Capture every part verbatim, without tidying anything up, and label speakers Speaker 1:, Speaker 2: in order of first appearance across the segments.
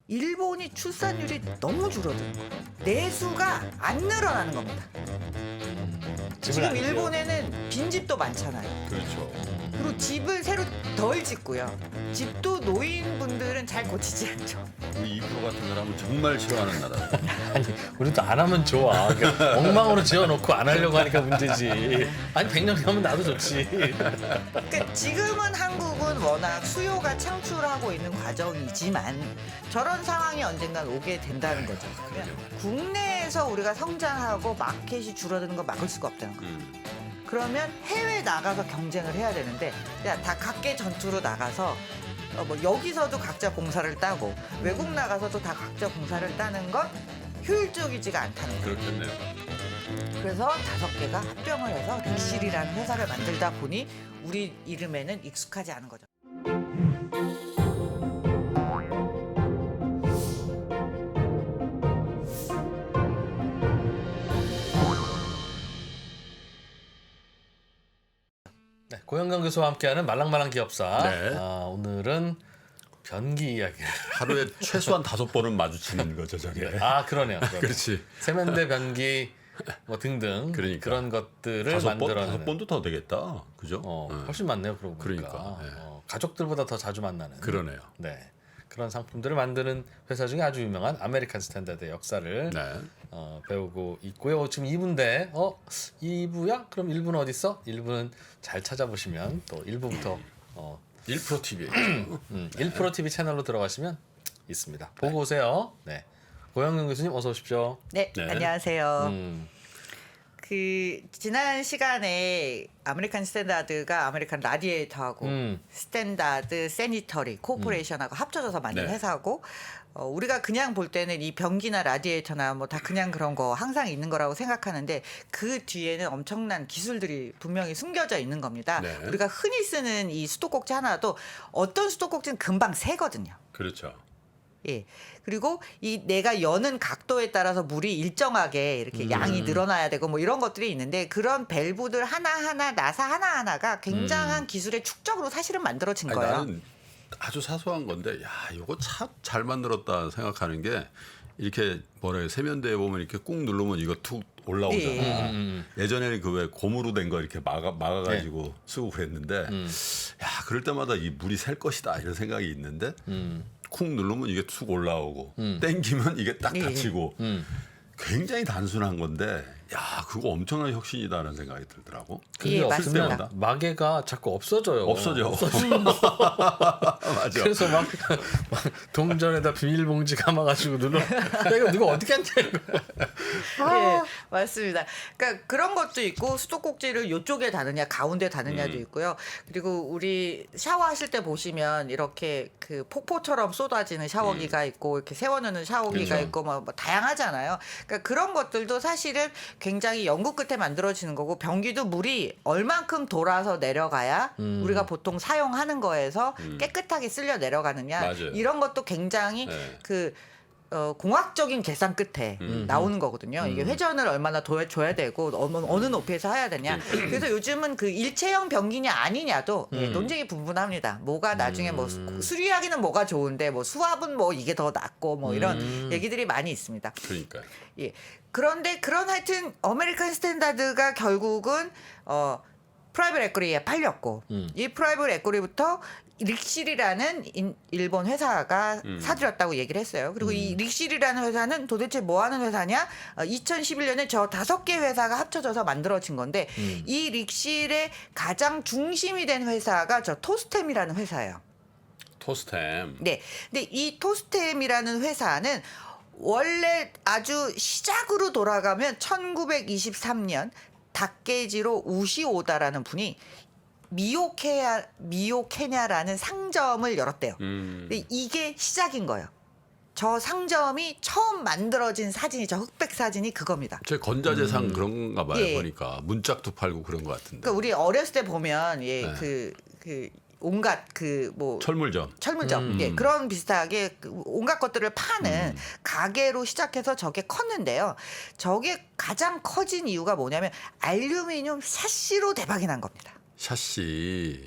Speaker 1: 일본이 출산율이 너무 줄어드는 거예요. 내수가 안 늘어나는 겁니다. 지금
Speaker 2: 안
Speaker 1: 일본에는 빈집도 많잖아요.
Speaker 3: 그렇죠.
Speaker 1: 그리고 집을 새로 덜 짓고요. 집도 노인분들은 잘 고치지 않죠.
Speaker 3: 우리 이 프로 같은 사람은 정말 싫어하는 나라.
Speaker 2: 아니 우리도 안 하면 좋아. 그러니까 엉망으로 지어놓고 안 하려고 하니까 문제지. 아니 백 년 하면 나도 좋지.
Speaker 1: 그러니까 지금은 한국은 워낙 수요가 창출하고 있는 과정이지만 저런 상황이 언젠간 오게 된다는 거죠. 그러면 국내에서 우리가 성장하고 마켓이 줄어드는 거 막을 수가 없다는 거예요.
Speaker 3: 음.
Speaker 1: 그러면 해외 나가서 경쟁을 해야 되는데 야, 다 각계 전투로 나가서 어, 뭐 여기서도 각자 공사를 따고 외국 나가서도 다 각자 공사를 따는 건 효율적이지가 않다는 거예요.
Speaker 3: 그렇겠네요.
Speaker 1: 그래서 다섯 개가 합병을 해서 릭실이라는 회사를 만들다 보니 우리 이름에는 익숙하지 않은 거죠.
Speaker 2: 네, 고영강 교수와 함께하는 말랑말랑 기업사.
Speaker 3: 네.
Speaker 2: 아, 오늘은 변기 이야기를.
Speaker 3: 하루에 최소한 다섯 번은 마주치는 거죠, 저게.
Speaker 2: 아 그러네요. 그러네요.
Speaker 3: 그렇지.
Speaker 2: 세면대, 변기 뭐 등등
Speaker 3: 그러니까.
Speaker 2: 그런 것들을
Speaker 3: 다섯 번,
Speaker 2: 만들어내는.
Speaker 3: 다섯 번도 더 되겠다. 그죠?
Speaker 2: 어,
Speaker 3: 네.
Speaker 2: 훨씬 많네요. 그러고 보니까.
Speaker 3: 그러니까, 네.
Speaker 2: 어, 가족들보다 더 자주 만나는.
Speaker 3: 그러네요.
Speaker 2: 네. 그런 상품들을 만드는 회사 중에 아주 유명한 아메리칸 스탠다드의 역사를
Speaker 3: 네.
Speaker 2: 어, 배우고 있고요. 지금 이 부인데 어? 이 부야? 그럼 일 부는 어디 있어? 일 부는 잘 찾아보시면 또 일 부부터 어,
Speaker 3: 일 프로 티비.
Speaker 2: 음, 일 프로 티비 채널로 들어가시면 있습니다. 보고 오세요. 네. 고영경 교수님 어서 오십시오.
Speaker 1: 네,
Speaker 3: 네.
Speaker 1: 안녕하세요.
Speaker 2: 음,
Speaker 1: 그 지난 시간에 아메리칸 스탠다드가 아메리칸 라디에이터하고
Speaker 2: 음.
Speaker 1: 스탠다드 세니터리 코퍼레이션하고 합쳐져서 만든
Speaker 3: 네.
Speaker 1: 회사고 어, 우리가 그냥 볼 때는 이 변기나 라디에이터나 뭐 다 그냥 그런 거 항상 있는 거라고 생각하는데 그 뒤에는 엄청난 기술들이 분명히 숨겨져 있는 겁니다.
Speaker 3: 네.
Speaker 1: 우리가 흔히 쓰는 이 수도꼭지 하나도 어떤 수도꼭지는 금방 새거든요.
Speaker 3: 그렇죠.
Speaker 1: 예. 그리고 이 내가 여는 각도에 따라서 물이 일정하게 이렇게
Speaker 2: 음.
Speaker 1: 양이 늘어나야 되고 뭐 이런 것들이 있는데 그런 밸브들 하나하나 나사 하나하나가 굉장한 기술의 축적으로 사실은 만들어진
Speaker 3: 아니,
Speaker 1: 거예요.
Speaker 3: 나는 아주 사소한 건데, 야, 이거 참 잘 만들었다 생각하는 게, 이렇게 뭐래 세면대에 보면 이렇게 꾹 누르면 이거 툭 올라오잖아.
Speaker 1: 예.
Speaker 2: 음, 음.
Speaker 3: 예전에는 그 왜 고무로 된 거 이렇게 막아 막아가지고
Speaker 2: 네.
Speaker 3: 쓰고 그랬는데,
Speaker 2: 음.
Speaker 3: 야, 그럴 때마다 이 물이 셀 것이다 이런 생각이 있는데,
Speaker 2: 음,
Speaker 3: 쿵 누르면 이게 툭 올라오고,
Speaker 2: 음.
Speaker 3: 땡기면 이게 딱
Speaker 1: 예.
Speaker 3: 닫히고,
Speaker 2: 음.
Speaker 3: 굉장히 단순한 건데, 야, 그거 엄청난 혁신이다라는 생각이 들더라고.
Speaker 2: 그게
Speaker 1: 예,
Speaker 2: 없으면
Speaker 1: 맞습니다.
Speaker 2: 마개가 자꾸 없어져요.
Speaker 3: 없어져. 맞아.
Speaker 2: 그래서 막, 막 동전에다 비닐봉지 감아가지고 눌러. 야, 이거 누가 어떻게 한냐 이거.
Speaker 1: 예, 맞습니다. 그러니까 그런 것도 있고 수도꼭지를 이쪽에 다느냐 가운데 다느냐도
Speaker 3: 음.
Speaker 1: 있고요. 그리고 우리 샤워하실 때 보시면 이렇게 그 폭포처럼 쏟아지는 샤워기가 있고 이렇게 세워놓는 샤워기가
Speaker 3: 음. 그렇죠.
Speaker 1: 있고 뭐, 뭐 다양하잖아요. 그러니까 그런 것들도 사실은 굉장히 연구 끝에 만들어지는 거고 변기도 물이 얼만큼 돌아서 내려가야
Speaker 2: 음.
Speaker 1: 우리가 보통 사용하는 거에서
Speaker 3: 음.
Speaker 1: 깨끗하게 쓸려 내려가느냐
Speaker 3: 맞아요.
Speaker 1: 이런 것도 굉장히
Speaker 3: 네.
Speaker 1: 그 어, 공학적인 계산 끝에
Speaker 3: 음.
Speaker 1: 나오는 거거든요. 이게 회전을 얼마나 더 줘야 되고 어느, 어느 높이에서 해야 되냐. 그래서 요즘은 그 일체형 변기냐 아니냐도 예,
Speaker 2: 음.
Speaker 1: 논쟁이 분분합니다. 뭐가 나중에 뭐 수- 수리하기는 뭐가 좋은데 뭐 수압은 뭐 이게 더 낫고 뭐 이런
Speaker 2: 음.
Speaker 1: 얘기들이 많이 있습니다.
Speaker 3: 그러니까.
Speaker 1: 예. 그런데 그런 하여튼 아메리칸 스탠다드가 결국은 어 프라이빗 에쿼리에 팔렸고
Speaker 2: 음.
Speaker 1: 이 프라이빗 에쿼리부터 릭실이라는 인- 일본 회사가
Speaker 3: 음.
Speaker 1: 사들였다고 얘기를 했어요. 그리고 이 릭실이라는 회사는 도대체 뭐 하는 회사냐? 어, 이천십일 년에 저 다섯 개 회사가 합쳐져서 만들어진 건데
Speaker 2: 음.
Speaker 1: 이 릭실의 가장 중심이 된 회사가 저 토스템이라는 회사예요.
Speaker 3: 토스템.
Speaker 1: 네. 근데 이 토스템이라는 회사는 원래 아주 시작으로 돌아가면 천구백이십삼 년 닭게지로 우시오다라는 분이 미오케야 미오케냐라는 상점을 열었대요.
Speaker 3: 음.
Speaker 1: 근데 이게 시작인 거예요. 저 상점이 처음 만들어진 사진이 저 흑백 사진이 그겁니다.
Speaker 3: 제 건자재상
Speaker 2: 음.
Speaker 3: 그런가 봐요.
Speaker 1: 예.
Speaker 3: 보니까 문짝도 팔고 그런 것 같은데.
Speaker 1: 그러니까 우리 어렸을 때 보면 예,
Speaker 3: 네.
Speaker 1: 그, 그 온갖 그뭐
Speaker 3: 철물점.
Speaker 1: 철물점,
Speaker 3: 음.
Speaker 1: 예, 그런 비슷하게 그 온갖 것들을 파는 가게로 시작해서 저게 컸는데요. 저게 가장 커진 이유가 뭐냐면 알루미늄 샤시로 대박이 난 겁니다.
Speaker 3: 샤시.
Speaker 2: 아,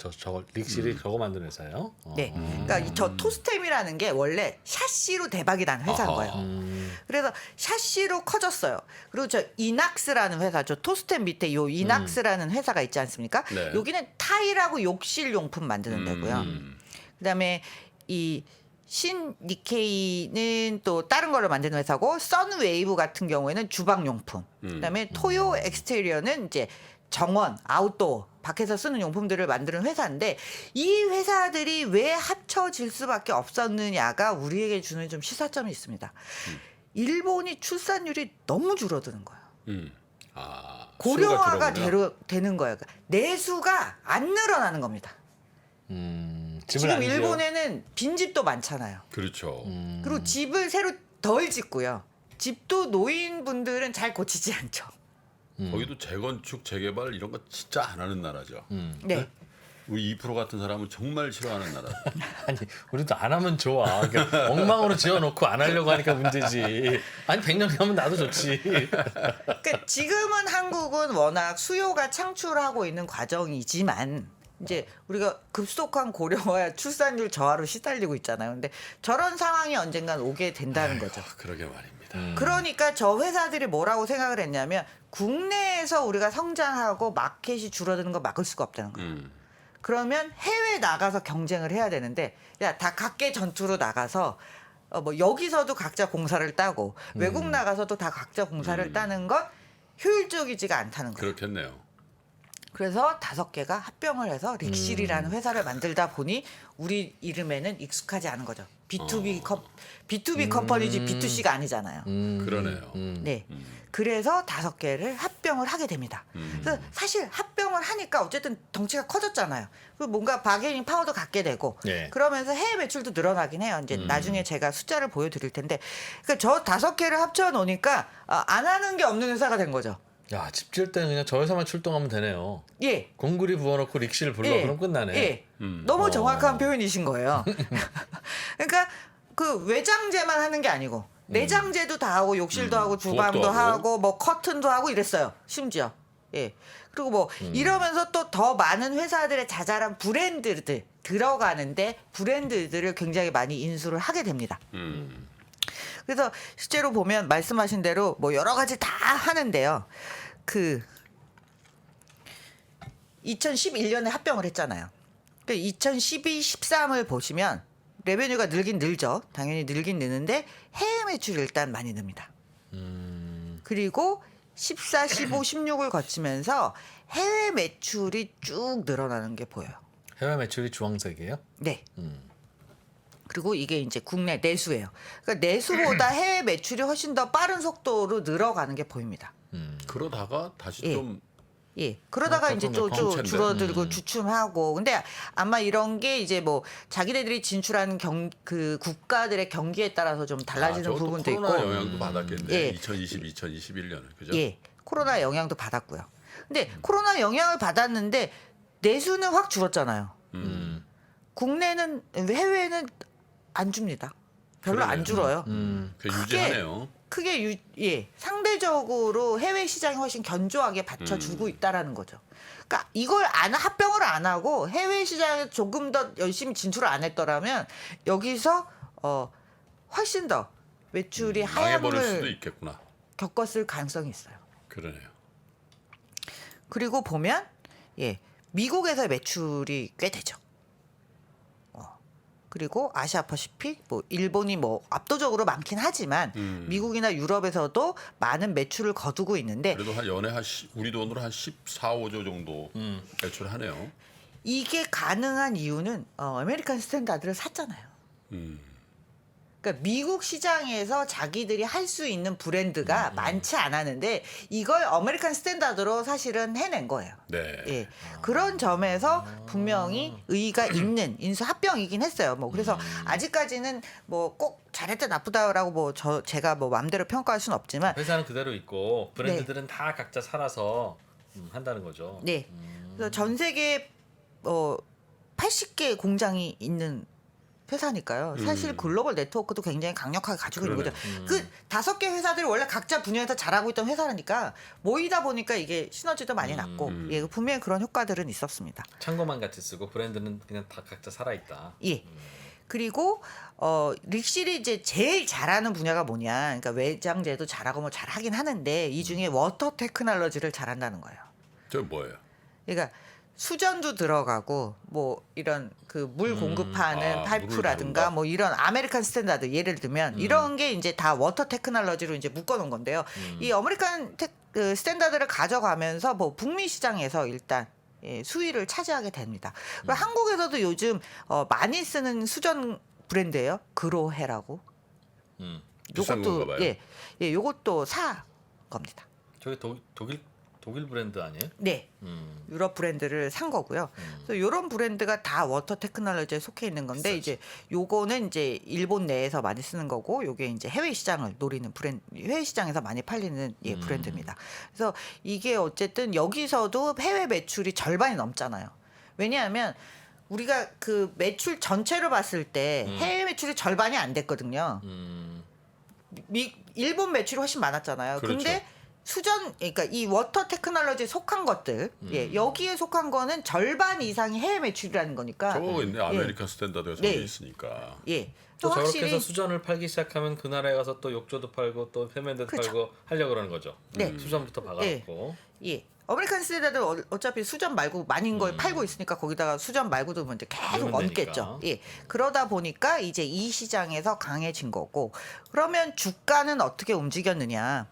Speaker 2: 저 저걸 릭실이 저거 만드는 회사예요? 어.
Speaker 1: 네. 그러니까 이 저 토스템이라는 게 원래 샤시로 대박이 난 회사인
Speaker 3: 아하.
Speaker 1: 거예요.
Speaker 2: 음.
Speaker 1: 그래서 샤시로 커졌어요. 그리고 저 이낙스라는 회사, 저 토스템 밑에 요 이낙스라는 회사가 있지 않습니까?
Speaker 3: 네.
Speaker 1: 여기는 타일하고 욕실 용품 만드는 데고요.
Speaker 3: 음.
Speaker 1: 그다음에 이 신 니케이는 또 다른 걸로 만드는 회사고, 선웨이브 같은 경우에는 주방 용품. 그다음에 토요 엑스테리어는 이제 정원, 아웃도어, 밖에서 쓰는 용품들을 만드는 회사인데, 이 회사들이 왜 합쳐질 수밖에 없었느냐가 우리에게 주는 좀 시사점이 있습니다. 일본이 출산율이 너무 줄어드는 거예요.
Speaker 3: 음. 아,
Speaker 1: 고령화가
Speaker 3: 수요가 줄어드냐?
Speaker 1: 되로, 되는 거예요. 그러니까 내수가 안 늘어나는 겁니다.
Speaker 2: 음, 집을
Speaker 1: 지금
Speaker 2: 안 지어요?
Speaker 1: 일본에는 빈집도 많잖아요.
Speaker 3: 그렇죠.
Speaker 2: 음.
Speaker 1: 그리고 집을 새로 덜 짓고요. 집도 노인분들은 잘 고치지 않죠.
Speaker 3: 거기도 재건축, 재개발 이런 거 진짜 안 하는 나라죠.
Speaker 2: 음.
Speaker 1: 네.
Speaker 3: 우리 이 프로 같은 사람은 정말 싫어하는 나라.
Speaker 2: 아니 우리도 안 하면 좋아. 그러니까 엉망으로 지어놓고 안 하려고 하니까 문제지. 아니 백 년 하면 나도 좋지.
Speaker 1: 그러니까 지금은 한국은 워낙 수요가 창출하고 있는 과정이지만, 이제 우리가 급속한 고령화, 출산율 저하로 시달리고 있잖아요. 근데 저런 상황이 언젠간 오게 된다는 거죠.
Speaker 3: 아, 그러게 말입니다.
Speaker 2: 음.
Speaker 1: 그러니까 저 회사들이 뭐라고 생각을 했냐면, 국내에서 우리가 성장하고 마켓이 줄어드는 거 막을 수가 없다는 거예요.
Speaker 3: 음.
Speaker 1: 그러면 해외 나가서 경쟁을 해야 되는데, 야, 다 각계 전투로 나가서 어, 뭐 여기서도 각자 공사를 따고 외국 나가서도 다 각자 공사를
Speaker 3: 음.
Speaker 1: 따는 건 효율적이지가 않다는 거예요.
Speaker 3: 그렇겠네요.
Speaker 1: 그래서 다섯 개가 합병을 해서 릭실이라는
Speaker 3: 음.
Speaker 1: 회사를 만들다 보니 우리 이름에는 익숙하지 않은 거죠. 비투비
Speaker 3: 어.
Speaker 1: 컴 비투비 컴퍼니지 비투씨가 아니잖아요.
Speaker 2: 음.
Speaker 3: 그러네요.
Speaker 2: 음.
Speaker 1: 네.
Speaker 3: 음.
Speaker 1: 그래서 다섯 개를 합병을 하게 됩니다.
Speaker 3: 음.
Speaker 1: 그래서 사실 합병을 하니까 어쨌든 덩치가 커졌잖아요. 그 뭔가 바게닝 파워도 갖게 되고,
Speaker 2: 네.
Speaker 1: 그러면서 해외 매출도 늘어나긴 해요. 이제
Speaker 3: 음.
Speaker 1: 나중에 제가 숫자를 보여드릴 텐데, 그러니까 저 다섯 개를 합쳐 놓으니까 아, 안 하는 게 없는 회사가 된 거죠.
Speaker 2: 야, 집 지을 때는 그냥 저 회사만 출동하면 되네요.
Speaker 1: 예.
Speaker 2: 공구리 부어놓고 릭실 불러
Speaker 1: 예.
Speaker 2: 그럼 끝나네.
Speaker 1: 예.
Speaker 3: 음.
Speaker 1: 너무
Speaker 2: 어.
Speaker 1: 정확한 표현이신 거예요. 그러니까 그 외장재만 하는 게 아니고 내장재도 다 하고 욕실도
Speaker 3: 음.
Speaker 1: 하고 주방도
Speaker 3: 부엌도 하고.
Speaker 1: 하고 뭐 커튼도 하고 이랬어요. 심지어. 예. 그리고 뭐 이러면서 또 더 많은 회사들의 자잘한 브랜드들 들어가는데 브랜드들을 굉장히 많이 인수를 하게 됩니다.
Speaker 3: 음.
Speaker 1: 그래서 실제로 보면 말씀하신 대로 뭐 여러 가지 다 하는데요. 그 이천십일 년에 합병을 했잖아요. 그 이천십이, 십삼을 보시면 레베뉴가 늘긴 늘죠. 당연히 늘긴 느는데 해외 매출이 일단 많이 늡니다. 그리고 십사, 십오, 십육을 거치면서 해외 매출이 쭉 늘어나는 게 보여요.
Speaker 2: 해외 매출이 주황색이에요?
Speaker 1: 네.
Speaker 2: 음.
Speaker 1: 그리고 이게 이제 국내 내수예요. 그러니까 내수보다 해외 매출이 훨씬 더 빠른 속도로 늘어가는 게 보입니다.
Speaker 2: 음.
Speaker 3: 그러다가 다시
Speaker 1: 예.
Speaker 3: 좀
Speaker 1: 예. 그러다가
Speaker 2: 어,
Speaker 1: 이제
Speaker 2: 조금
Speaker 1: 좀, 좀
Speaker 3: 정체인데.
Speaker 1: 줄어들고
Speaker 2: 음.
Speaker 1: 주춤하고. 근데 아마 이런 게 이제 뭐 자기네들이 진출한 경, 그 국가들의 경기에 따라서 좀 달라지는
Speaker 3: 아, 저것도
Speaker 1: 부분도 있고.
Speaker 3: 코로나 영향도 받았겠네.
Speaker 1: 예.
Speaker 3: 이천이십, 이천이십일 년에 그죠?
Speaker 1: 예. 코로나 영향도 받았고요. 근데 코로나 영향을 받았는데 내수는 확 줄었잖아요.
Speaker 2: 음.
Speaker 1: 국내는, 해외는 안 줍니다. 별로
Speaker 3: 그러네요.
Speaker 1: 안 줄어요.
Speaker 2: 음.
Speaker 3: 그
Speaker 1: 크게
Speaker 3: 유지하네요.
Speaker 1: 크게 유, 예, 상대적으로 해외 시장이 훨씬 견조하게 받쳐주고
Speaker 3: 음.
Speaker 1: 있다라는 거죠. 그러니까 이걸 안 합병을 안 하고 해외 시장에 조금 더 열심히 진출을 안 했더라면 여기서 어 훨씬 더 매출이
Speaker 3: 망해버릴 수도
Speaker 1: 하향을
Speaker 3: 있겠구나.
Speaker 1: 겪었을 가능성이 있어요.
Speaker 3: 그러네요.
Speaker 1: 그리고 보면 예, 미국에서 매출이 꽤 되죠. 어. 그리고 아시아 퍼시픽, 뭐 일본이 뭐 압도적으로 많긴 하지만
Speaker 3: 음.
Speaker 1: 미국이나 유럽에서도 많은 매출을 거두고 있는데
Speaker 3: 그래도 한 연에 한 시, 우리 돈으로 한 십사, 오조 정도
Speaker 2: 음.
Speaker 3: 매출하네요.
Speaker 1: 이게 가능한 이유는 어, 아메리칸 스탠다드를 샀잖아요.
Speaker 3: 음.
Speaker 1: 그러니까 미국 시장에서 자기들이 할 수 있는 브랜드가
Speaker 3: 음,
Speaker 1: 많지 않았는데 이걸 아메리칸 스탠다드로 사실은 해낸 거예요.
Speaker 3: 네.
Speaker 1: 예. 그런 점에서 분명히 의의가 있는 인수 합병이긴 했어요. 뭐 그래서 아직까지는 뭐 꼭 잘했다 나쁘다라고 뭐 저 제가 뭐 마음대로 평가할 수는 없지만
Speaker 2: 회사는 그대로 있고 브랜드들은 다 각자 살아서 음, 한다는 거죠.
Speaker 1: 네. 그래서 전 세계 어 팔십 개 공장이 있는 회사니까요. 사실 글로벌 네트워크도 굉장히 강력하게 가지고 있는
Speaker 3: 그러네.
Speaker 1: 거죠. 그 다섯 개 회사들이 원래 각자 분야에서 잘하고 있던 회사라니까 모이다 보니까 이게 시너지도 많이 났고 예, 분명히 그런 효과들은 있었습니다.
Speaker 2: 창고만 같이 쓰고 브랜드는 그냥 다 각자 살아 있다.
Speaker 1: 예. 그리고 어 릭실이 이제 제일 잘하는 분야가 뭐냐? 그러니까 외장재도 잘하고 뭐 잘하긴 하는데 이 중에 워터 테크놀로지를 잘한다는 거예요.
Speaker 3: 저 뭐예요?
Speaker 1: 그러니까 수전도 들어가고 뭐 이런 그 물 공급하는
Speaker 3: 아,
Speaker 1: 파이프라든가
Speaker 3: 물을
Speaker 1: 뭐 이런 아메리칸 스탠다드 예를 들면 이런 게 이제 다 워터 테크놀로지로 이제 묶어 놓은 건데요. 이 아메리칸 테, 그 스탠다드를 가져가면서 뭐 북미 시장에서 일단 예, 수위를 차지하게 됩니다. 그리고 한국에서도 요즘 어, 많이 쓰는 수전 브랜드예요. 그로해라고.
Speaker 2: 음.
Speaker 3: 비싼 건가 봐요.
Speaker 1: 예, 예, 요것도 사 겁니다.
Speaker 2: 저게 독, 독일 독일 브랜드 아니에요?
Speaker 1: 네.
Speaker 2: 음.
Speaker 1: 유럽 브랜드를 산 거고요. 그래서 이런 브랜드가 다 워터 테크놀로지에 속해 있는 건데
Speaker 2: 비싸지.
Speaker 1: 이제 요거는 이제 일본 내에서 많이 쓰는 거고 요게 이제 해외 시장을 노리는 브랜드, 해외 시장에서 많이 팔리는 예, 브랜드입니다. 그래서 이게 어쨌든 여기서도 해외 매출이 절반이 넘잖아요. 왜냐하면 우리가 그 매출 전체로 봤을 때 해외 매출이 절반이 안 됐거든요.
Speaker 2: 음.
Speaker 1: 미, 일본 매출이 훨씬 많았잖아요.
Speaker 3: 그렇죠.
Speaker 1: 근데 수전 그러니까 이 워터 테크놀로지에 속한 것들 예, 여기에 속한 거는 절반 이상이 해외 매출이라는 거니까
Speaker 3: 저거 있네. 아메리칸 스탠다드가 저기
Speaker 1: 네.
Speaker 3: 있으니까.
Speaker 1: 예.
Speaker 2: 또
Speaker 1: 또
Speaker 2: 저렇게
Speaker 1: 확실히
Speaker 2: 해서 수전을 팔기 시작하면 그 나라에 가서 또 욕조도 팔고 또 세면대도
Speaker 1: 그렇죠.
Speaker 2: 팔고 하려고 그러는 거죠.
Speaker 1: 네.
Speaker 2: 수전부터 박아놓고.
Speaker 1: 예. 아메리칸 스탠다드 어- 어차피 수전 말고 많은 걸 팔고 있으니까 거기다가 수전 말고도 먼저 계속
Speaker 2: 넣으면
Speaker 1: 얹겠죠.
Speaker 2: 되니까.
Speaker 1: 예. 그러다 보니까 이제 이 시장에서 강해진 거고 그러면 주가는 어떻게 움직였느냐?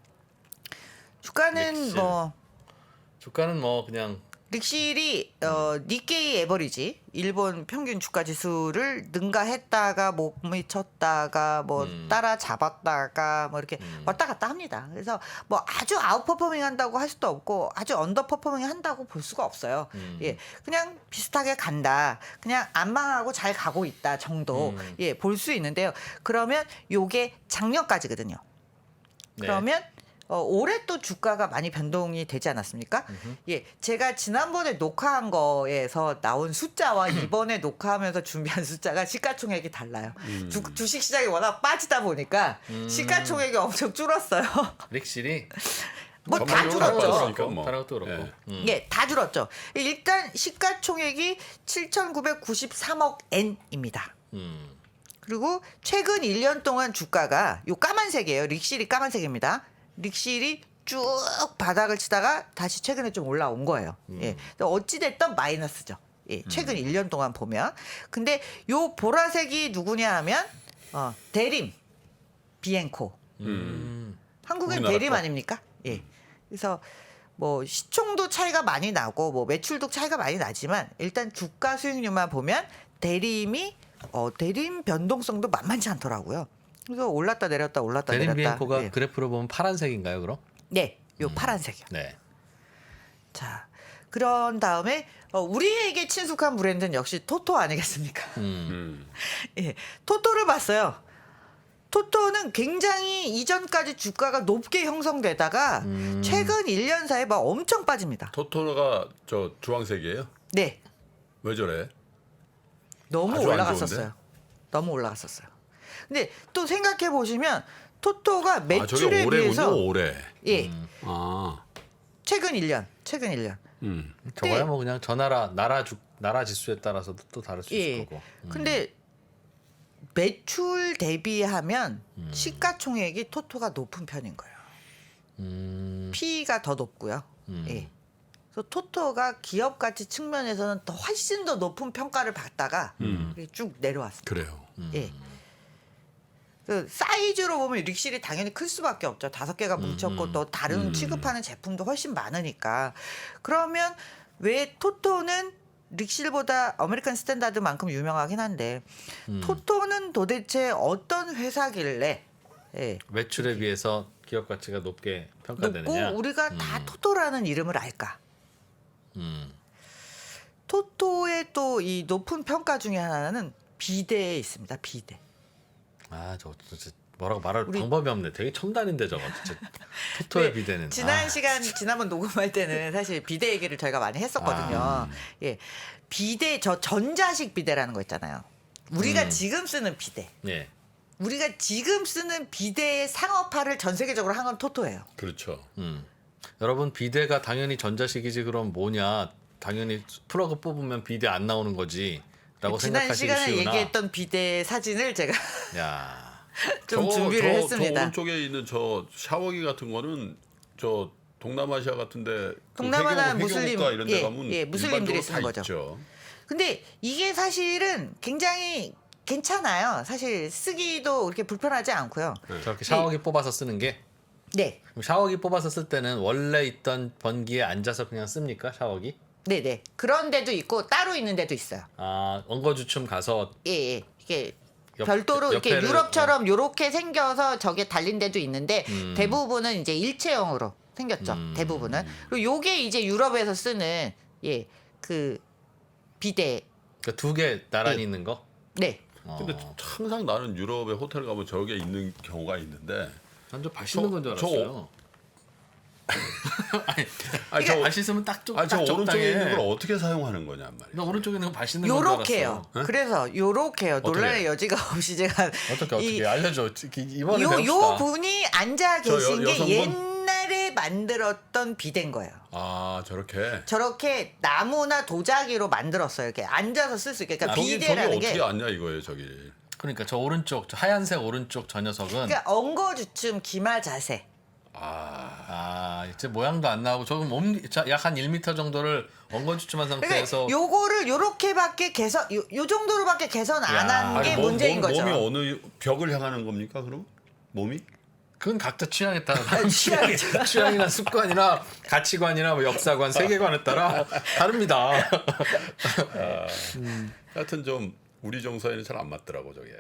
Speaker 1: 주가는
Speaker 2: 릭실.
Speaker 1: 뭐
Speaker 2: 주가는 뭐 그냥
Speaker 1: 릭실이 어, 니케이 에버리지 일본 평균 주가 지수를 능가했다가 못 미쳤다가 뭐
Speaker 2: 음.
Speaker 1: 따라잡았다가 뭐 이렇게 왔다 갔다 합니다. 그래서 뭐 아주 아웃퍼포밍 한다고 할 수도 없고 아주 언더퍼포밍 한다고 볼 수가 없어요.
Speaker 2: 음.
Speaker 1: 예, 그냥 비슷하게 간다. 그냥 안 망하고 잘 가고 있다 정도
Speaker 2: 음.
Speaker 1: 예, 볼 수 있는데요. 그러면 요게 작년까지거든요.
Speaker 2: 네.
Speaker 1: 그러면 어, 올해 또 주가가 많이 변동이 되지 않았습니까? 예, 제가 지난번에 녹화한 거에서 나온 숫자와 이번에 녹화하면서 준비한 숫자가 시가총액이 달라요. 주, 주식 시장이 워낙 빠지다 보니까 시가총액이 엄청 줄었어요.
Speaker 2: 릭실이
Speaker 1: 뭐 다
Speaker 3: 전반적으로
Speaker 1: 줄었죠.
Speaker 3: 떨어졌으니까 뭐.
Speaker 2: 다른 것도 그렇고.
Speaker 3: 예.
Speaker 2: 음.
Speaker 1: 예, 다 줄었죠. 일단 시가총액이 칠천구백구십삼억 엔입니다.
Speaker 2: 음.
Speaker 1: 그리고 최근 일 년 동안 주가가 요 까만색이에요. 릭실이 까만색입니다. 릭실이 쭉 바닥을 치다가 다시 최근에 좀 올라온 거예요. 예. 어찌 됐든 마이너스죠. 예. 최근 일 년 동안 보면. 근데 요 보라색이 누구냐 하면 어, 대림, 비엔코.
Speaker 2: 음.
Speaker 1: 한국엔
Speaker 3: 우리나라
Speaker 1: 대림
Speaker 3: 거.
Speaker 1: 아닙니까? 예. 그래서 뭐 시총도 차이가 많이 나고 뭐 매출도 차이가 많이 나지만 일단 주가 수익률만 보면 대림이 어, 대림 변동성도 만만치 않더라고요. 그래서 올랐다 내렸다 올랐다
Speaker 2: 대림
Speaker 1: 내렸다.
Speaker 2: 비엔코가
Speaker 1: 예.
Speaker 2: 그래프로 보면 파란색인가요, 그럼?
Speaker 1: 네, 요 파란색이요.
Speaker 2: 네.
Speaker 1: 자, 그런 다음에 어, 우리에게 친숙한 브랜드는 역시 토토 아니겠습니까?
Speaker 2: 음.
Speaker 3: 음.
Speaker 1: 예, 토토를 봤어요. 토토는 굉장히 이전까지 주가가 높게 형성되다가
Speaker 2: 음.
Speaker 1: 최근 일 년 사이에 막 엄청 빠집니다.
Speaker 3: 토토가 저 주황색이에요?
Speaker 1: 네,
Speaker 3: 왜 저래?
Speaker 1: 너무
Speaker 3: 아주 안
Speaker 1: 올라갔었어요.
Speaker 3: 좋은데?
Speaker 1: 너무 올라갔었어요. 근데 또 생각해 보시면 토토가
Speaker 3: 아 저게
Speaker 1: 매출에
Speaker 3: 올해군요,
Speaker 1: 비해서
Speaker 3: 올해.
Speaker 1: 예,
Speaker 3: 아.
Speaker 1: 최근 일 년, 최근 일 년.
Speaker 3: 음.
Speaker 2: 저거야
Speaker 1: 네.
Speaker 2: 뭐 그냥 저 나라 나라 주 나라 지수에 따라서도 또 다를 수 있을
Speaker 1: 예.
Speaker 2: 거고. 음.
Speaker 1: 근데 매출 대비하면
Speaker 2: 음.
Speaker 1: 시가총액이 토토가 높은 편인 거예요.
Speaker 2: 음.
Speaker 1: P가 더 높고요.
Speaker 2: 음.
Speaker 1: 예. 그래서 토토가 기업 가치 측면에서는 더 훨씬 더 높은 평가를 받다가
Speaker 3: 음.
Speaker 1: 이렇게 쭉 내려왔습니다.
Speaker 3: 그래요.
Speaker 1: 예. 그 사이즈로 보면 릭실이 당연히 클 수밖에 없죠. 다섯 개가 뭉쳤고 또 다른 취급하는 제품도 훨씬 많으니까. 그러면 왜 토토는 릭실보다 아메리칸 스탠다드만큼 유명하긴 한데 토토는 도대체 어떤 회사길래 예,
Speaker 2: 매출에 비해서 기업 가치가 높게 평가되느냐.
Speaker 1: 높고 우리가 다 토토라는 이름을 알까?
Speaker 2: 음.
Speaker 1: 토토의 또 이 높은 평가 중에 하나는 비대에 있습니다. 비대.
Speaker 2: 아, 저거 진짜 뭐라고 말할
Speaker 1: 우리-
Speaker 2: 방법이 없네. 되게 첨단인데 저거 진짜. 토토의
Speaker 1: 네,
Speaker 2: 비대는.
Speaker 1: 지난
Speaker 2: 아,
Speaker 1: 시간 지난번 녹음할 때는 사실 비대 얘기를 저희가 많이 했었거든요.
Speaker 2: 아.
Speaker 1: 예, 비대 저 전자식 비대라는 거 있잖아요. 우리가
Speaker 2: 음.
Speaker 1: 지금 쓰는 비대.
Speaker 2: 예.
Speaker 1: 우리가 지금 쓰는 비대의 상업화를 전 세계적으로 한 건 토토예요.
Speaker 3: 그렇죠.
Speaker 2: 음. 여러분 비대가 당연히 전자식이지 그럼 뭐냐? 당연히 플러그 뽑으면 비대 안 나오는 거지라고
Speaker 1: 지난
Speaker 2: 생각하시기
Speaker 1: 시간에
Speaker 2: 쉬우나.
Speaker 1: 얘기했던 비대 사진을 제가
Speaker 2: 야.
Speaker 1: 좀
Speaker 3: 저거,
Speaker 1: 준비를
Speaker 3: 저,
Speaker 1: 했습니다.
Speaker 3: 저 오른쪽에 있는 저 샤워기 같은 거는 저 동남아시아 같은데
Speaker 1: 동남아나
Speaker 3: 그 회교,
Speaker 1: 무슬림,
Speaker 3: 회교국가 이런 데
Speaker 1: 예,
Speaker 3: 가면
Speaker 1: 예, 무슬림들이
Speaker 3: 일반적으로
Speaker 1: 쓰는
Speaker 3: 다
Speaker 1: 거죠.
Speaker 3: 있죠.
Speaker 1: 근데 이게 사실은 굉장히 괜찮아요. 사실 쓰기도 그렇게 불편하지 않고요.
Speaker 2: 저렇게 샤워기 뽑아서 쓰는 게
Speaker 1: 네.
Speaker 2: 그럼 샤워기 뽑아서 쓸 때는 원래 있던 번기에 앉아서 그냥 씁니까? 샤워기?
Speaker 1: 네네. 그런 데도 있고 따로 있는 데도 있어요.
Speaker 2: 아, 엉거주춤 가서
Speaker 1: 예, 예. 이게
Speaker 2: 옆-
Speaker 1: 별도로 이렇게
Speaker 2: 옆에를-
Speaker 1: 유럽처럼 요렇게 생겨서 저게 달린 데도 있는데
Speaker 2: 음.
Speaker 1: 대부분은 이제 일체형으로 생겼죠.
Speaker 2: 음.
Speaker 1: 대부분은. 그리고 요게 이제 유럽에서 쓰는 예, 그 비데.
Speaker 2: 그 두 개 나란히
Speaker 1: 예.
Speaker 2: 있는 거?
Speaker 1: 네.
Speaker 3: 근데
Speaker 2: 어.
Speaker 3: 항상 나는 유럽에 호텔 가면 저게 있는 경우가 있는데
Speaker 2: 난저 발 씻는
Speaker 3: 저-
Speaker 2: 건 줄
Speaker 3: 저-
Speaker 2: 알았어요. 아니,
Speaker 3: 아니, 저,
Speaker 2: 발 씻으면 딱, 좀,
Speaker 3: 아니, 저
Speaker 2: 딱
Speaker 3: 오른쪽에
Speaker 2: 적당해.
Speaker 3: 있는 걸 어떻게 사용하는 거냐 말이야.
Speaker 2: 나 오른쪽에 있는 거 발 씻는 건 줄 알았어.
Speaker 1: 요렇게요. 그래서 요렇게요. 논란의 여지가 없이 제가
Speaker 2: 어떻게 어떻게
Speaker 1: 이-
Speaker 2: 알려줘. 이번에
Speaker 1: 요,
Speaker 2: 배웁시다.
Speaker 1: 요 분이 앉아
Speaker 3: 저 여-
Speaker 1: 계신 게
Speaker 3: 여성분?
Speaker 1: 옛날에 만들었던 비데인 거예요.
Speaker 3: 아 저렇게.
Speaker 1: 저렇게 나무나 도자기로 만들었어요. 이렇게 앉아서 쓸 수 있게. 그러니까
Speaker 3: 저기 저기
Speaker 1: 비데라는
Speaker 3: 어떻게
Speaker 1: 게
Speaker 3: 앉냐 이거예요 저기.
Speaker 2: 그러니까 저 오른쪽, 저 하얀색 오른쪽 저 녀석은
Speaker 1: 그러니까 엉거주춤 기마 자세.
Speaker 3: 아
Speaker 2: 아, 이제 모양도 안 나오고 저건 약 한 일 미터 정도를 엉거주춤한 상태에서
Speaker 1: 그러니까 요거를 요렇게밖에 개선 요, 요 정도로밖에 개선 안
Speaker 2: 야.
Speaker 1: 한
Speaker 2: 아니,
Speaker 1: 게
Speaker 3: 몸-
Speaker 1: 문제인
Speaker 3: 몸-
Speaker 1: 거죠.
Speaker 3: 몸이 어느 벽을 향하는 겁니까 그럼? 몸이?
Speaker 2: 그건 각자 취향에 따라 다른
Speaker 1: 취향이
Speaker 2: 취향, 취향이나 습관이나 가치관이나 뭐 역사관, 세계관에 따라 다릅니다.
Speaker 3: 하여튼 좀 우리 정서에는 잘 안 맞더라고 저게.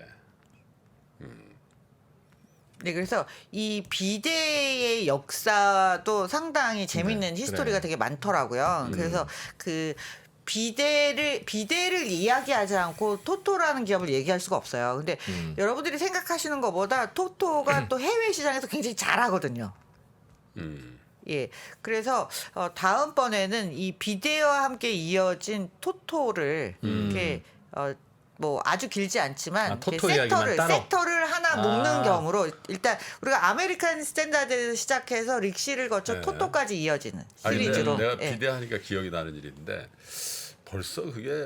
Speaker 1: 네, 그래서 이 비데의 역사도 상당히 재밌는
Speaker 2: 네,
Speaker 1: 히스토리가
Speaker 2: 그래요.
Speaker 1: 되게 많더라고요. 그래서 그 비데를 비데를 이야기하지 않고 토토라는 기업을 얘기할 수가 없어요. 근데
Speaker 2: 음.
Speaker 1: 여러분들이 생각하시는 것보다 토토가 또 해외 시장에서 굉장히 잘하거든요.
Speaker 3: 음.
Speaker 1: 예, 그래서 어, 다음번에는 이 비데와 함께 이어진 토토를
Speaker 2: 음.
Speaker 1: 이렇게 어, 뭐 아주 길지 않지만
Speaker 2: 아, 토토
Speaker 1: 이렇게
Speaker 2: 이야기만
Speaker 1: 섹터를
Speaker 2: 따로?
Speaker 1: 섹터를 하나
Speaker 2: 아.
Speaker 1: 묶는 경우로 일단 우리가 아메리칸 스탠다드에서 시작해서 릭시를 거쳐
Speaker 3: 네.
Speaker 1: 토토까지 이어지는
Speaker 3: 아니 근데
Speaker 1: 시리즈로.
Speaker 3: 내가
Speaker 1: 예.
Speaker 3: 비대하니까 기억이 나는 일인데 벌써 그게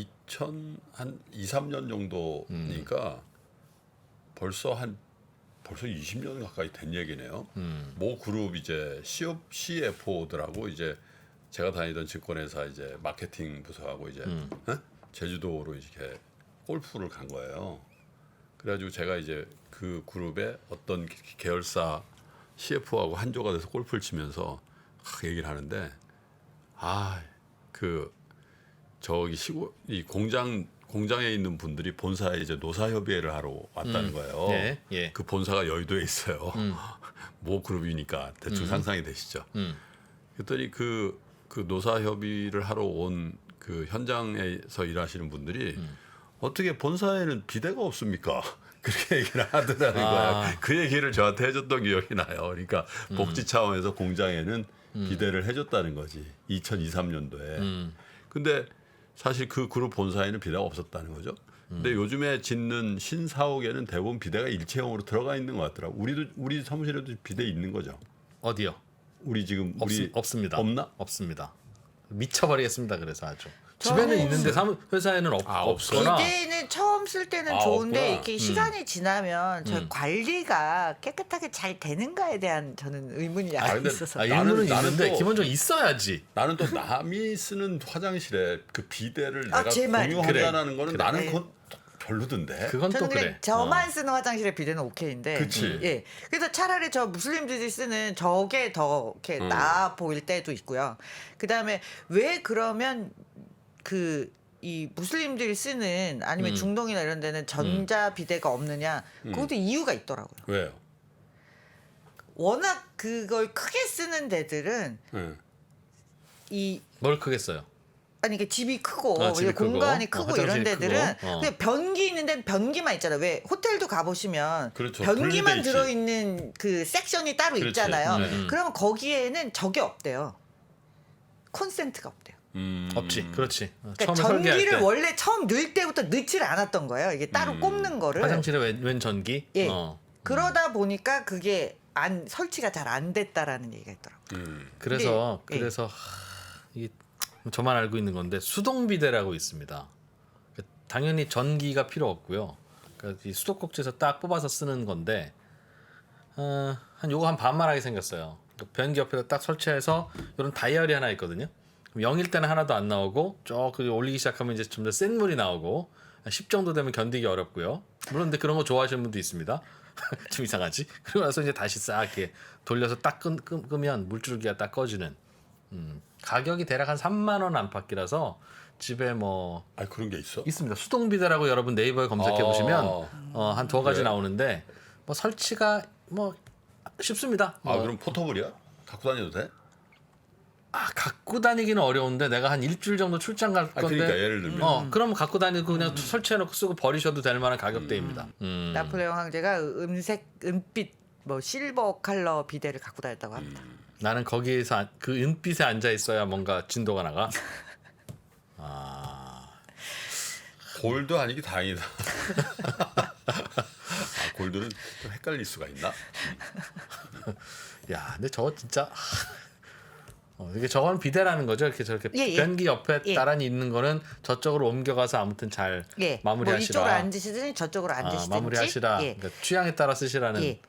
Speaker 3: 이천이삼 년 정도니까 벌써 한 벌써 이십 년 가까이 된 얘기네요.
Speaker 2: 음.
Speaker 3: 모 그룹 이제 씨에프오들하고 이제 제가 다니던 증권회사 이제 마케팅 부서하고 이제
Speaker 2: 음.
Speaker 3: 어? 제주도로 이렇게 골프를 간 거예요. 그래가지고 제가 이제 그 그룹의 어떤 계열사 씨에프오하고 한조가 돼서 골프를 치면서 막 얘기를 하는데 아 그 저기 시골 이 공장 공장에 있는 분들이 본사에 이제 노사협의회를 하러 왔다는
Speaker 2: 음.
Speaker 3: 거예요.
Speaker 2: 예, 예.
Speaker 3: 그 본사가 여의도에 있어요.
Speaker 2: 음.
Speaker 3: 모 그룹이니까 대충
Speaker 2: 음.
Speaker 3: 상상이 되시죠.
Speaker 2: 음.
Speaker 3: 그랬더니 그, 그 노사협의를 하러 온 그 현장에서 일하시는 분들이
Speaker 2: 음.
Speaker 3: 어떻게 본사에는 비대가 없습니까? 그렇게 얘기를 하더라는
Speaker 2: 아.
Speaker 3: 거야. 그 얘기를 저한테 해줬던 기억이 나요. 그러니까
Speaker 2: 음.
Speaker 3: 복지 차원에서 공장에는 비대를 해줬다는 거지. 이천이삼 년도에.
Speaker 2: 음.
Speaker 3: 근데 사실 그 그룹 본사에는 비대가 없었다는 거죠. 근데
Speaker 2: 음.
Speaker 3: 요즘에 짓는 신사옥에는 대부분 비대가 일체형으로 들어가 있는 것 같더라고. 우리도 우리 사무실에도 비대 있는 거죠.
Speaker 2: 어디요?
Speaker 3: 우리 지금
Speaker 2: 없,
Speaker 3: 우리
Speaker 2: 없습니다.
Speaker 3: 없나?
Speaker 2: 없습니다. 미쳐버리겠습니다. 그래서 아주
Speaker 1: 저는-
Speaker 2: 집에는 있는데 사무, 회사에는 없,
Speaker 3: 아,
Speaker 2: 없거나
Speaker 1: 비데는 처음 쓸 때는
Speaker 3: 아,
Speaker 1: 좋은데
Speaker 3: 없구나.
Speaker 1: 이렇게
Speaker 2: 음.
Speaker 1: 시간이 지나면 저
Speaker 2: 음.
Speaker 1: 관리가 깨끗하게 잘 되는가에 대한 저는 의문이
Speaker 3: 아,
Speaker 1: 약간
Speaker 3: 근데
Speaker 1: 있어서.
Speaker 2: 아,
Speaker 3: 나는-
Speaker 2: 일부는
Speaker 3: 나는
Speaker 2: 있는데
Speaker 3: 또-
Speaker 2: 기본적으로 있어야지.
Speaker 3: 나는 또 남이 쓰는 화장실에 그 비대를
Speaker 1: 아,
Speaker 3: 내가
Speaker 1: 제 말.
Speaker 3: 공유한다는 거는
Speaker 2: 그래.
Speaker 3: 나는
Speaker 1: 네.
Speaker 3: 그건 별로던데.
Speaker 2: 그건 또
Speaker 1: 저는 그냥
Speaker 2: 그래.
Speaker 1: 저만
Speaker 2: 어.
Speaker 1: 쓰는 화장실에 비데는 오케이인데.
Speaker 3: 그치.
Speaker 1: 예. 그래서 차라리 저 무슬림들이 쓰는 저게 더 이렇게
Speaker 3: 음.
Speaker 1: 나아 보일 때도 있고요. 그다음에 왜 그러면 그 이 무슬림들이 쓰는 아니면
Speaker 2: 음.
Speaker 1: 중동이나 이런 데는 전자 비데가 없느냐? 그것도 이유가 있더라고요.
Speaker 3: 왜요?
Speaker 1: 워낙 그걸 크게 쓰는 데들은
Speaker 3: 네.
Speaker 1: 이
Speaker 2: 뭘 크겠어요?
Speaker 1: 아니 이게 집이 크고
Speaker 2: 아, 집이
Speaker 1: 이게 공간이
Speaker 2: 크고,
Speaker 1: 크고
Speaker 2: 어,
Speaker 1: 이런
Speaker 2: 화장실이
Speaker 1: 데들은
Speaker 2: 크고, 어.
Speaker 1: 그냥 변기 있는 데는 변기만 있잖아요. 왜 호텔도 가보시면
Speaker 3: 그렇죠.
Speaker 1: 변기만
Speaker 3: 분리돼 있지.
Speaker 1: 들어있는 그 섹션이 따로
Speaker 3: 그렇지.
Speaker 1: 있잖아요.
Speaker 2: 네. 음.
Speaker 1: 그러면 거기에는 저게 없대요. 콘센트가 없대요.
Speaker 3: 음.
Speaker 2: 없지. 그렇지. 어,
Speaker 1: 그러니까
Speaker 2: 처음에 설계할
Speaker 1: 전기를
Speaker 2: 때
Speaker 1: 원래 처음 넣을 때부터 넣질 않았던 거예요. 이게 따로
Speaker 3: 음.
Speaker 1: 꼽는 거를.
Speaker 2: 화장실에 웬, 웬 전기?
Speaker 1: 예.
Speaker 2: 어.
Speaker 1: 그러다 보니까 그게 안 설치가 잘 안 됐다라는 얘기가 있더라고요.
Speaker 3: 음.
Speaker 2: 그래서
Speaker 1: 근데, 예.
Speaker 2: 그래서 하, 이 저만 알고 있는 건데 수동 비데라고 있습니다. 그러니까 당연히 전기가 필요 없고요. 그러니까 이 수도꼭지에서 딱 뽑아서 쓰는 건데 어, 한 요거 한 반만하게 생겼어요. 그러니까 변기 옆에다 딱 설치해서 이런 다이얼이 하나 있거든요. 그럼 영일 때는 하나도 안 나오고 쭉 그 올리기 시작하면 이제 좀 더 센 물이 나오고 십 정도 되면 견디기 어렵고요. 물론 근데 그런 거 좋아하시는 분도 있습니다. 좀 이상하지? 그러고 나서 이제 다시 싹 이렇게 돌려서 딱 끄, 끄, 끄면 물줄기가 딱 꺼지는. 음, 가격이 대략 한 삼만 원 안팎이라서 집에 뭐
Speaker 3: 아 그런 게 있어?
Speaker 2: 있습니다. 수동 비데라고 여러분 네이버에 검색해 보시면
Speaker 3: 아.
Speaker 2: 어, 한 두어 가지
Speaker 3: 그래?
Speaker 2: 나오는데 뭐 설치가 뭐 쉽습니다.
Speaker 3: 아
Speaker 2: 뭐,
Speaker 3: 그럼 포터블이야? 갖고 다녀도 돼?
Speaker 2: 아, 갖고 다니기는 어려운데 내가 한 일주일 정도 출장 갈
Speaker 3: 아
Speaker 2: 건데
Speaker 3: 그러니까 예를 들면
Speaker 2: 어 그럼 갖고 다니고 그냥 설치해놓고 쓰고 버리셔도 될 만한 가격대입니다. 음.
Speaker 1: 나폴레옹 황제가 음색, 은빛, 뭐 실버 컬러 비데를 갖고 다녔다고 합니다.
Speaker 2: 나는 거기에서 안- 그 은빛에 앉아 있어야 뭔가 진도가 나가. 아,
Speaker 3: 골드 아니기 다행이다. 아, 골드는 좀 헷갈릴 수가 있나?
Speaker 2: 야, 근데 저거 진짜 어, 이게 저건 비데라는 거죠. 이렇게 저렇게
Speaker 1: 예, 예.
Speaker 2: 변기 옆에
Speaker 1: 예.
Speaker 2: 나란히 있는 거는 저쪽으로 옮겨가서 아무튼 잘
Speaker 1: 예, 뭐
Speaker 2: 마무리하시라.
Speaker 1: 이쪽으로 앉으시든지 저쪽으로
Speaker 2: 아,
Speaker 1: 앉으시든지.
Speaker 2: 마무리하시라.
Speaker 1: 예.
Speaker 2: 그러니까 취향에 따라 쓰시라는.
Speaker 1: 예.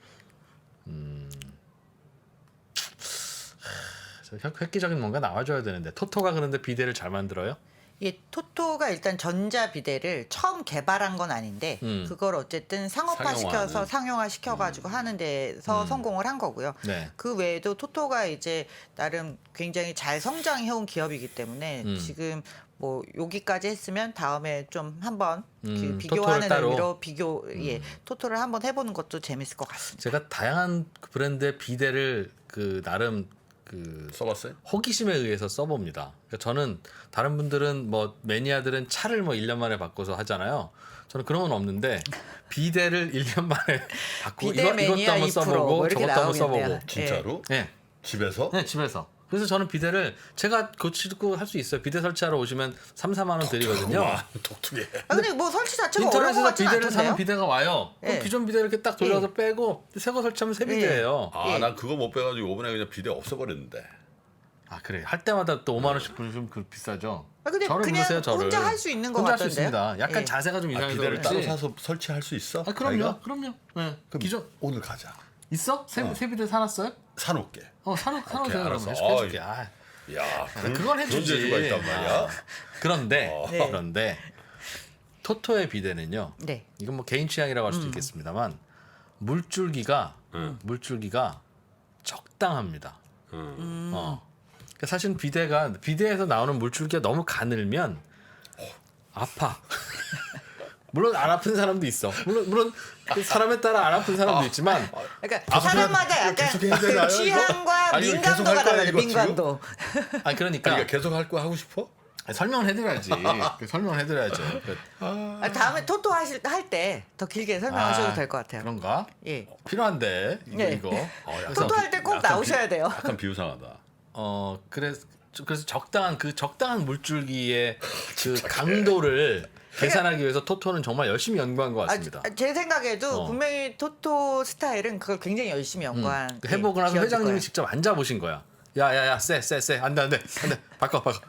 Speaker 2: 저 획- 획기적인 뭔가 나와줘야 되는데 토토가 그런데 비데를 잘 만들어요?
Speaker 1: 예, 토토가 일단 전자 비데를 처음 개발한 건 아닌데
Speaker 2: 음.
Speaker 1: 그걸 어쨌든 상업화 시켜서
Speaker 3: 상용화는.
Speaker 1: 상용화 시켜가지고 하는 데서 성공을 한 거고요.
Speaker 2: 네.
Speaker 1: 그 외에도 토토가 이제 나름 굉장히 잘 성장해온 기업이기 때문에
Speaker 2: 음.
Speaker 1: 지금 뭐 여기까지 했으면 다음에 좀 한번
Speaker 2: 음,
Speaker 1: 그
Speaker 2: 토토를
Speaker 1: 비교하는
Speaker 2: 따로?
Speaker 1: 의미로 비교 예 토토를 한번 해보는 것도 재밌을 것 같습니다.
Speaker 2: 제가 다양한 그 브랜드의 비데를 그 나름 그
Speaker 3: 써봤어요?
Speaker 2: 호기심에 의해서 써봅니다. 그러니까 저는 다른 분들은 뭐 매니아들은 차를 뭐 일 년 만에 바꿔서 하잖아요. 저는 그런 건 없는데 비데를 일 년 만에 바꾸고
Speaker 1: 비데
Speaker 2: 이거, 이것도
Speaker 1: 매니아
Speaker 2: 한번
Speaker 1: 이 프로
Speaker 2: 써보고
Speaker 1: 뭐 이렇게
Speaker 2: 저것도 한번
Speaker 1: 나오겠네요.
Speaker 2: 써보고.
Speaker 3: 진짜로?
Speaker 2: 네.
Speaker 3: 집에서?
Speaker 2: 네, 집에서. 그래서 저는 비데를 제가 고치고 할 수 있어요. 비데 설치하러 오시면 삼, 사만 원 드리거든요.
Speaker 3: 와, 독특해.
Speaker 1: 아 근데 뭐 설치 자체가 어려운 것
Speaker 2: 인터넷에서
Speaker 1: 같진
Speaker 2: 비데를 사면
Speaker 1: 않던데요?
Speaker 2: 비데가 와요. 그럼
Speaker 1: 예.
Speaker 2: 기존 비데 이렇게 딱 돌려서 빼고 새 거 설치하면 새 비데예요.
Speaker 3: 아,
Speaker 1: 예.
Speaker 3: 난 그거 못 빼가지고 이번에 그냥 비데 없애버렸는데.
Speaker 2: 아 그래 할 때마다 또 오만 원씩 부르면 그 비싸죠.
Speaker 1: 아, 근데
Speaker 2: 저를
Speaker 1: 그냥
Speaker 2: 부르세요, 저를.
Speaker 1: 혼자 할 수 있는 것
Speaker 2: 혼자 할 수
Speaker 1: 같던데요?
Speaker 2: 있습니다. 약간
Speaker 1: 예.
Speaker 2: 자세가 좀
Speaker 3: 아,
Speaker 2: 이상해서
Speaker 3: 비데를
Speaker 2: 그렇지.
Speaker 3: 따로 사서 설치할 수 있어?
Speaker 2: 아 그럼요,
Speaker 3: 자기가?
Speaker 2: 그럼요. 네.
Speaker 3: 그럼
Speaker 2: 기존
Speaker 3: 오늘 가자.
Speaker 2: 있어? 새,
Speaker 3: 어.
Speaker 2: 새 비데 사놨어요?
Speaker 3: 사놓게.
Speaker 2: 어 사놓 사놓으세요.
Speaker 3: 오케이,
Speaker 2: 그러면
Speaker 3: 알았어.
Speaker 2: 해줄게, 해줄게.
Speaker 3: 어이.
Speaker 2: 아,
Speaker 3: 야, 그런,
Speaker 2: 그건 해주지.
Speaker 3: 그런 재주가 있단 말이야.
Speaker 2: 아, 그런데
Speaker 3: 어.
Speaker 1: 네.
Speaker 2: 그런데 토토의 비데는요.
Speaker 1: 네.
Speaker 2: 이건 뭐 개인 취향이라고 할 수도 있겠습니다만 물줄기가
Speaker 3: 음.
Speaker 2: 물줄기가 적당합니다.
Speaker 3: 음.
Speaker 2: 어. 그러니까 사실 비데가 비데에서 나오는 물줄기가 너무 가늘면 아파. 물론 안 아픈 사람도 있어. 물론 물론 그 사람에 따라 안 아픈 사람도 있지만
Speaker 1: 그러니까 사람마다
Speaker 3: 이거
Speaker 1: 약간
Speaker 3: 계속 해야 되나요,
Speaker 1: 그
Speaker 3: 이거?
Speaker 1: 취향과
Speaker 3: 아니, 이거 계속
Speaker 1: 민감도가
Speaker 3: 할 거야,
Speaker 1: 달라요.
Speaker 3: 이거 지금?
Speaker 1: 민감도.
Speaker 2: 아 그러니까
Speaker 3: 그러니까 계속 할 거 하고 싶어?
Speaker 2: 설명을 해드려야지. 설명을 해드려야죠. 그,
Speaker 1: 아, 다음에 토토 하실 할 때 더 길게 설명하셔도
Speaker 2: 아,
Speaker 1: 될 것 같아요.
Speaker 2: 그런가?
Speaker 1: 예.
Speaker 2: 필요한데 이거
Speaker 1: 네.
Speaker 2: 이거.
Speaker 3: 어, 약간
Speaker 1: 토토
Speaker 3: 비-
Speaker 1: 할 때 꼭
Speaker 3: 약간
Speaker 1: 나오셔야
Speaker 3: 비-
Speaker 1: 돼요.
Speaker 3: 약간 비유상하다.
Speaker 2: 어 그래서 그래서 적당한 그 적당한 물줄기의 그 강도를 계산하기 위해서 토토는 정말 열심히 연구한 것
Speaker 1: 아,
Speaker 2: 같습니다.
Speaker 1: 제 생각에도
Speaker 2: 어.
Speaker 1: 분명히 토토 스타일은 그걸 굉장히 열심히 연구한
Speaker 2: 음. 해보고 나서
Speaker 1: 기업일
Speaker 2: 회장님이
Speaker 1: 거예요.
Speaker 2: 직접 앉아 보신 거야. 야야야 쎄쎄쎄 안돼 안돼 안돼 바꿔 바꿔.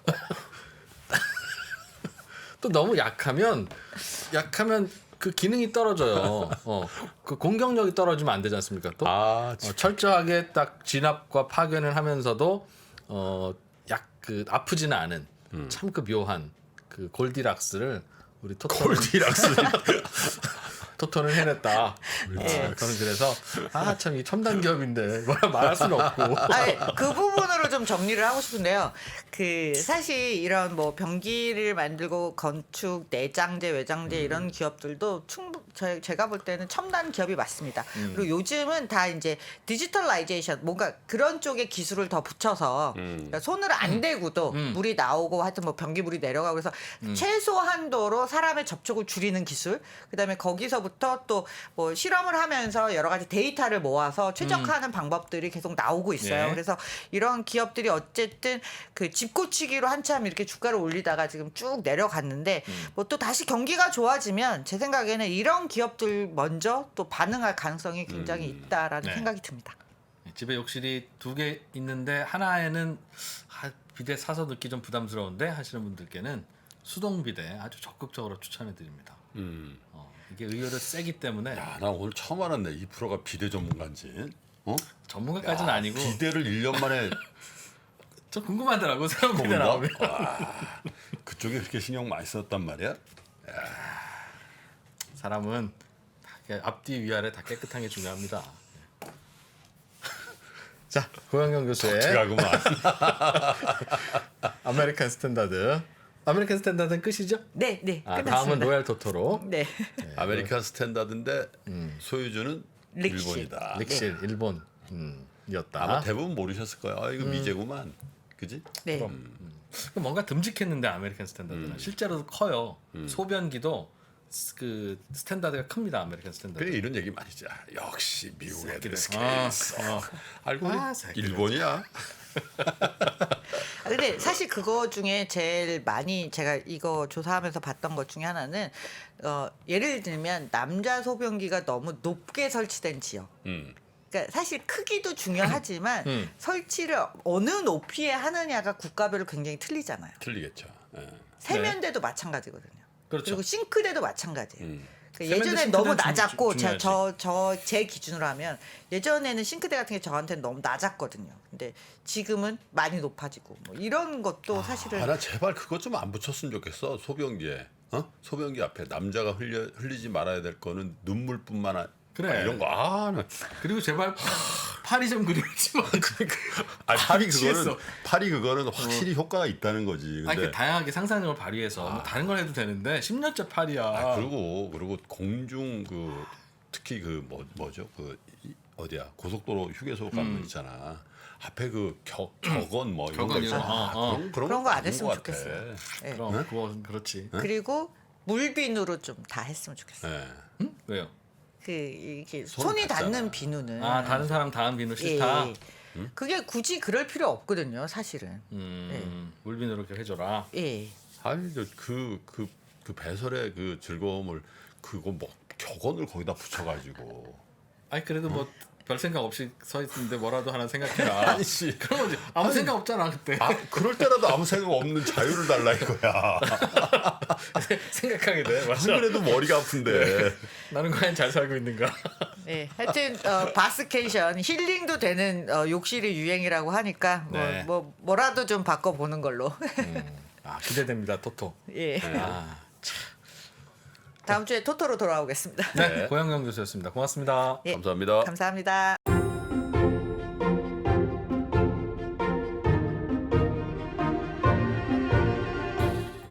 Speaker 2: 또 너무 약하면 약하면 그 기능이 떨어져요. 어, 그 공격력이 떨어지면 안 되지 않습니까? 또
Speaker 3: 아,
Speaker 2: 어, 철저하게 딱 진압과 파견을 하면서도 어, 약 그 아프지는 않은 참 그 묘한 그 골디락스를 우리 토토는
Speaker 3: 골디락스.
Speaker 2: 토토는 해냈다.
Speaker 1: 예.
Speaker 2: 어, 저는 그래서 아 참 이 첨단 기업인데 뭐라 말할 수는 없고.
Speaker 1: 아니, 그 부분으로 좀 정리를 하고 싶은데요. 그 사실 이런 뭐 변기를 만들고 건축, 내장재, 외장재
Speaker 2: 음.
Speaker 1: 이런 기업들도 충분 제, 제가 볼 때는 첨단 기업이 맞습니다.
Speaker 2: 음.
Speaker 1: 그리고 요즘은 다 이제 디지털라이제이션 뭔가 그런 쪽에 기술을 더 붙여서
Speaker 3: 음.
Speaker 1: 그러니까 손을 안 대고도
Speaker 2: 음.
Speaker 1: 물이 나오고 하여튼 뭐 변기 물이 내려가고 그래서 최소 한도로 사람의 접촉을 줄이는 기술 그다음에 거기서부터 그때부터 또 뭐 실험을 하면서 여러 가지 데이터를 모아서 최적화하는 방법들이 계속 나오고 있어요.
Speaker 2: 네.
Speaker 1: 그래서 이런 기업들이 어쨌든 그 집고치기로 한참 이렇게 주가를 올리다가 지금 쭉 내려갔는데 뭐 또 다시 경기가 좋아지면 제 생각에는 이런 기업들 먼저 또 반응할 가능성이 굉장히 있다라는
Speaker 2: 네.
Speaker 1: 생각이 듭니다.
Speaker 2: 집에 욕실이 두 개 있는데 하나에는 아, 비대 사서 넣기 좀 부담스러운데 하시는 분들께는 수동 비대 아주 적극적으로 추천해 드립니다.
Speaker 3: 음.
Speaker 2: 어, 이게 의외로 세기 때문에
Speaker 3: 야, 나 오늘 처음 알았네. 이 프로가 비대 전문가인지. 어?
Speaker 2: 전문가까지는
Speaker 3: 야,
Speaker 2: 아니고
Speaker 3: 비대를 일 년 만에
Speaker 2: 좀 궁금하더라고 새로운 비대
Speaker 3: 뽑은다?
Speaker 2: 나오면.
Speaker 3: 와, 그쪽에 그렇게 신경 많이 썼단 말이야?
Speaker 2: 사람은 다 이렇게 앞뒤 위아래 다 깨끗한 게 중요합니다. 자, 고영경 교수의
Speaker 3: 제가 그만.
Speaker 2: 아메리칸 스탠다드. 아메리칸 스탠다드는 끝이죠?
Speaker 1: 네, 네.
Speaker 2: 아,
Speaker 1: 끝났습니다.
Speaker 2: 다음은 로얄 토토로.
Speaker 1: 네.
Speaker 3: 아메리칸 스탠다드인데 소유주는
Speaker 1: 릭실.
Speaker 3: 일본이다.
Speaker 2: 릭실 일본 음, 이었다.
Speaker 3: 아마 대부분 모르셨을 거야. 아, 이거 미제구만. 그지?
Speaker 1: 네.
Speaker 2: 뭔가 듬직했는데 아메리칸 스탠다드는 실제로도 커요. 소변기도 스- 그 스탠다드가 큽니다. 아메리칸 스탠다드.
Speaker 3: 그래 이런 얘기 많이 지 역시 미국 애들은 스케일이
Speaker 2: 아,
Speaker 3: 있어.
Speaker 2: 어.
Speaker 3: 알고 보니
Speaker 2: 아, 새끼들.
Speaker 3: 일본이야.
Speaker 1: 아, 근데 사실 그거 중에 제일 많이 제가 이거 조사하면서 봤던 것 중에 하나는 어, 예를 들면 남자 소변기가 너무 높게 설치된 지역.
Speaker 3: 음.
Speaker 1: 그러니까 사실 크기도 중요하지만
Speaker 2: 음.
Speaker 1: 설치를 어느 높이에 하느냐가 국가별로 굉장히 틀리잖아요.
Speaker 3: 틀리겠죠. 예.
Speaker 1: 세면대도 마찬가지거든요.
Speaker 2: 그렇죠.
Speaker 1: 그리고 싱크대도 마찬가지예요.
Speaker 3: 음.
Speaker 1: 그러니까
Speaker 2: 세면대,
Speaker 1: 예전에 너무
Speaker 2: 싱크대는 중-
Speaker 1: 낮았고
Speaker 2: 중요하지.
Speaker 1: 저 제 기준으로 하면 예전에는 싱크대 같은 게 저한테는 너무 낮았거든요. 근데 지금은 많이 높아지고 뭐 이런 것도 사실은
Speaker 3: 아, 나 제발 그것 좀 안 붙였으면 좋겠어. 소변기에. 어? 소변기 앞에 남자가 흘려, 흘리지 말아야 될 거는 눈물뿐만 아니라
Speaker 2: 그래.
Speaker 3: 이런 거. 아, 나.
Speaker 2: 그리고 제발 팔이 좀 그리지 마.
Speaker 3: 아, 팔이
Speaker 2: 취했어.
Speaker 3: 그거는 팔이 그거는 확실히 효과가 있다는 거지. 근데
Speaker 2: 아니, 그 다양하게 상상력을 발휘해서 뭐 다른 걸 해도 되는데 십 년째 팔이야.
Speaker 3: 아, 그리고 그리고 공중 그 특히 그 뭐 뭐죠 그 이- 어디야 고속도로 휴게소 가면 있잖아 앞에 그 겨, 격언 뭐 이런 거
Speaker 2: 격언 이런
Speaker 3: 있잖아.
Speaker 2: 거, 어, 어.
Speaker 3: 그런 그런,
Speaker 1: 그런 거 안
Speaker 3: 아닌
Speaker 1: 했으면
Speaker 3: 것 같아.
Speaker 1: 좋겠어요. 예.
Speaker 2: 그럼 그건 그렇지.
Speaker 1: 그리고 물비누로 좀 다 했으면 좋겠어요.
Speaker 3: 예.
Speaker 2: 응? 왜요?
Speaker 1: 그 이렇게
Speaker 3: 손
Speaker 1: 손이
Speaker 3: 닿잖아.
Speaker 1: 닿는 비누는
Speaker 2: 아 다른 사람 다음 비누
Speaker 1: 예,
Speaker 2: 싫다.
Speaker 1: 예. 그게 굳이 그럴 필요 없거든요, 사실은.
Speaker 2: 음, 물비누로 이렇게 해줘라.
Speaker 1: 예.
Speaker 3: 아니 그그 그 배설의 그 즐거움을 그거 뭐 격언을 거기다 붙여가지고
Speaker 2: 아니 그래도 뭐 별 생각 없이 서 있는데 뭐라도 하나 생각해라.
Speaker 3: 아니 씨.
Speaker 2: 그런 거지. 아무 생각 없잖아 그때.
Speaker 3: 아 그럴 때라도 아무 생각 없는 자유를 달라 이거야.
Speaker 2: 생각하게 돼.
Speaker 3: 안
Speaker 2: 맞아.
Speaker 3: 그래도 머리가 아픈데.
Speaker 2: 나는 과연 잘 살고 있는가?
Speaker 1: 예. 하여튼 어, 바스케이션 힐링도 되는 어, 욕실이 유행이라고 하니까 뭐,
Speaker 2: 네.
Speaker 1: 뭐 뭐라도 좀 바꿔 보는 걸로.
Speaker 2: 아 기대됩니다 토토.
Speaker 1: 예.
Speaker 2: 아,
Speaker 1: 다음 주에 토토로 돌아오겠습니다.
Speaker 2: 네,
Speaker 3: 네.
Speaker 2: 고영경 교수였습니다. 고맙습니다.
Speaker 1: 예.
Speaker 3: 감사합니다.
Speaker 1: 감사합니다.